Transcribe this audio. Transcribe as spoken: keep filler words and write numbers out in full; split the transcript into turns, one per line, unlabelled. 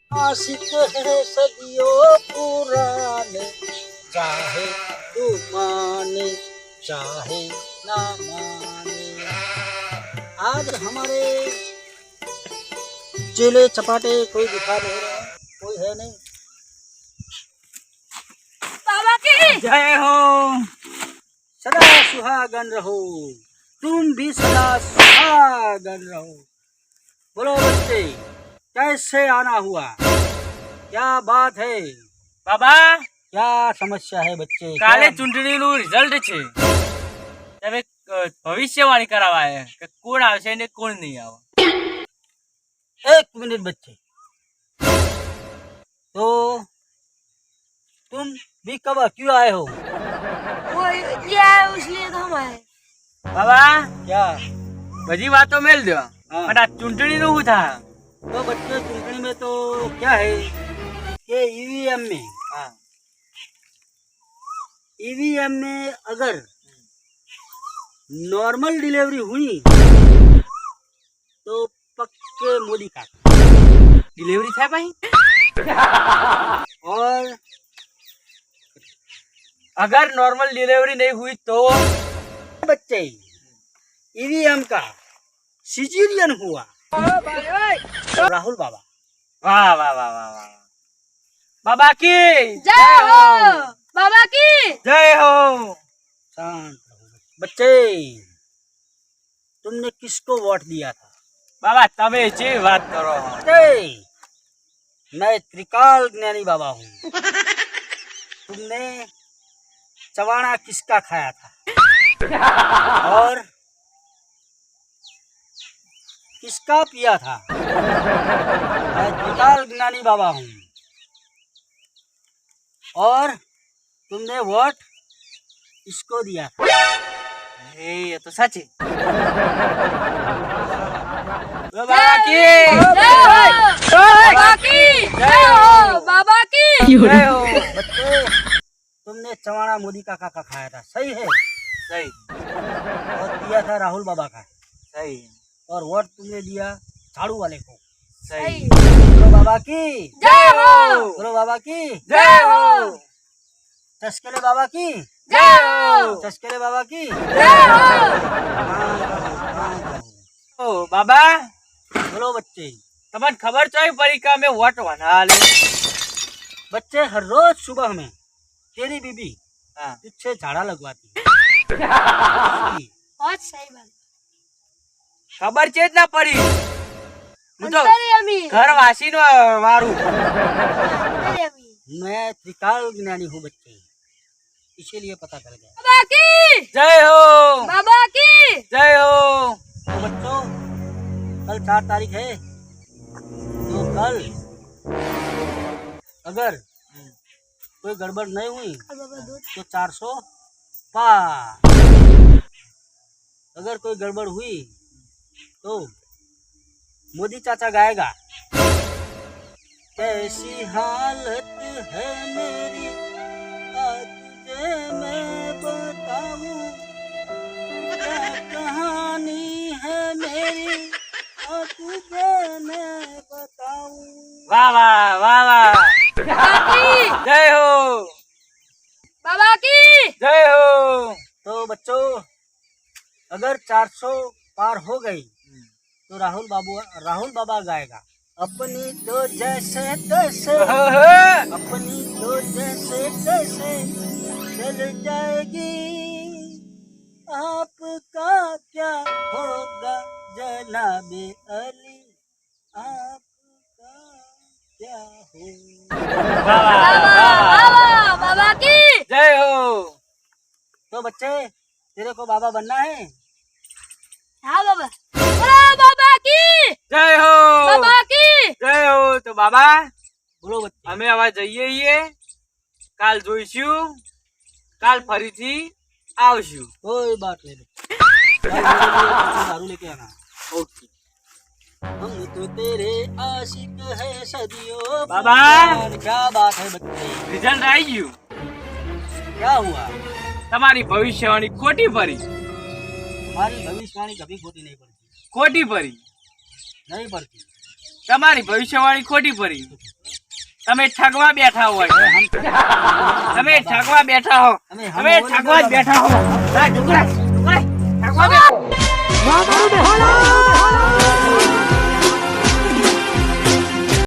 आशिक है सदियों पुराने, चाहे तू माने चाहे ना माने। आज हमारे चेले चपाटे कोई दिखा नहीं रहा, कोई है नहीं।
बाबा की
जय हो।
सदा सुहागन रहो, तुम भी सदा सुहागन रहो। बोलो बच्चे, कैसे आना हुआ, क्या बात है
बाबा
क्या समस्या है बच्चे?
કાલે
क्या-
ચૂંટણીનું રિઝલ્ટ છે, તમે અ, ભવિષ્યવાણી કરાવવા આવ્યા કે કોણ આવશે ને કોણ નહીં આવે।
एक मिनट बच्चे, तो तुम भी कब क्यों आए हो?
वो ये आया इसलिए तो हम आए।
બાબા
क्या?
બધી વાતો મેલ દો,
हाँ।
પણ આ ચૂંટણીનું શું થાય?
तो बच्चे चुनकनी में तो क्या है कि ईवीएम में
હા
ईवीएम में अगर नॉर्मल डिलीवरी हुई तो पक्के मोदी का,
ડિલિવરી થાય ભાઈ।
और
अगर नॉर्मल डिलीवरी नहीं हुई तो
बच्चे ईवीएम का सिजेरियन हुआ तो राहुल बाबा।
वाह वाह वाह वाह वाह। बाबा की
जय हो बाबा की।
जय हो।
शांत रहो बच्चे, तुमने किसको वोट दिया था?
बाबा તમે જે વાત કરો।
बच्चे, मैं त्रिकाल ज्ञानी बाबा हूँ। तुमने चवाणा किसका खाया था और किसका पिया था? मैं त्रिकाल ज्ञानी बाबा हूँ। और तुमने वोट इसको दिया था।
એ એ તો સાચી। बाबा की
जय हो बाबा की। जय हो बाबा की।
जय हो।
बच्चे, तुमने चवाणा मोदी काका का खाया था, सही है?
सही
और दिया था राहुल बाबा का,
सही
और वोट तुमने दिया झाड़ू वाले को।
सही।
बोलो बाबा की,
जय हो
बोलो बाबा की,
जय हो।
चस्केले बाबा की,
जय हो
चस्केले बाबा की।
जय हो।
ओ बाबा
बोलो बच्चे,
તમને ખબર છે પડી કે અમે વોટ વના લે।
बच्चे हर रोज सुबह में तेरी बीबी
हाँ
तुझसे झाड़ा लगवाती है।
बहुत सही बात।
ખબર છે જ ના પડી। હું તો
अंतरी अमी
ઘર વાસીનો વારું।
अंतरी अमी।
मैं त्रिकाल ज्ञानी हूँ बच्चे, इसीलिए पता चल गया।
बाबा की
जय हो
बाबा की।
जय हो।
तो बच्चों, कल चार तारीख है, तो कल अगर कोई गड़बड़ नहीं हुई
बाबा दूध
तो चार सौ पार। अगर कोई गड़बड़ हुई तो मोदी चाचा गाएगा, कैसी हालत है मेरी आज तुझे मैं बताऊं, क्या कहानी है मेरी आज तुझे मैं बताऊं।
वाह वाह वाह वाह।
बाबा की
जय हो
बाबा की।
जय हो।
तो बच्चों, अगर चार सौ पार हो गई तो राहुल बाबू राहुल बाबा गाएगा, अपनी तो जैसे तैसे, अपनी तो जैसे तैसे चल जाएगी, आपका क्या होगा जनाबे अली, आपका क्या होगा।
वाह वाह वाह वाह।
बाबा बाबा की।
जय हो।
तो बच्चे, तेरे को बाबा बनना है?
हाँ बाबा। बोलो बाबा की।
जय हो
बाबा की।
जय हो। તો બાબા
बोलो बच्चे।
અમે હવે જઈએ છીએ, કાલ જોઈશું, કાલ ફરીથી આવશું।
कोई बात नहीं बच्चे, कल मेरे लिए कुछ दारू लेके आना।
ओके
हम तो तेरे आशिक है सदियों
बाबा।
पुराने। क्या बात है बच्चे,
રિઝલ્ટ આવી ગયું।
क्या हुआ?
તમારી ભવિષ્યવાણી ખોટી પડી।
हमारी भविष्यवाणी कभी खोटी नहीं पड़ती,
ખોટી પડી।
नहीं पड़ती।
તમારી ભવિષ્યવાળી ખોટી પડી. તમે ઠગવા બેઠા હોય, તમે ઠગવા બેઠા હો,
અમે
તમે ઠગવા જ બેઠા હો. હા, ઢોકળા, ઢોકળા, ઠગવા બેઠા.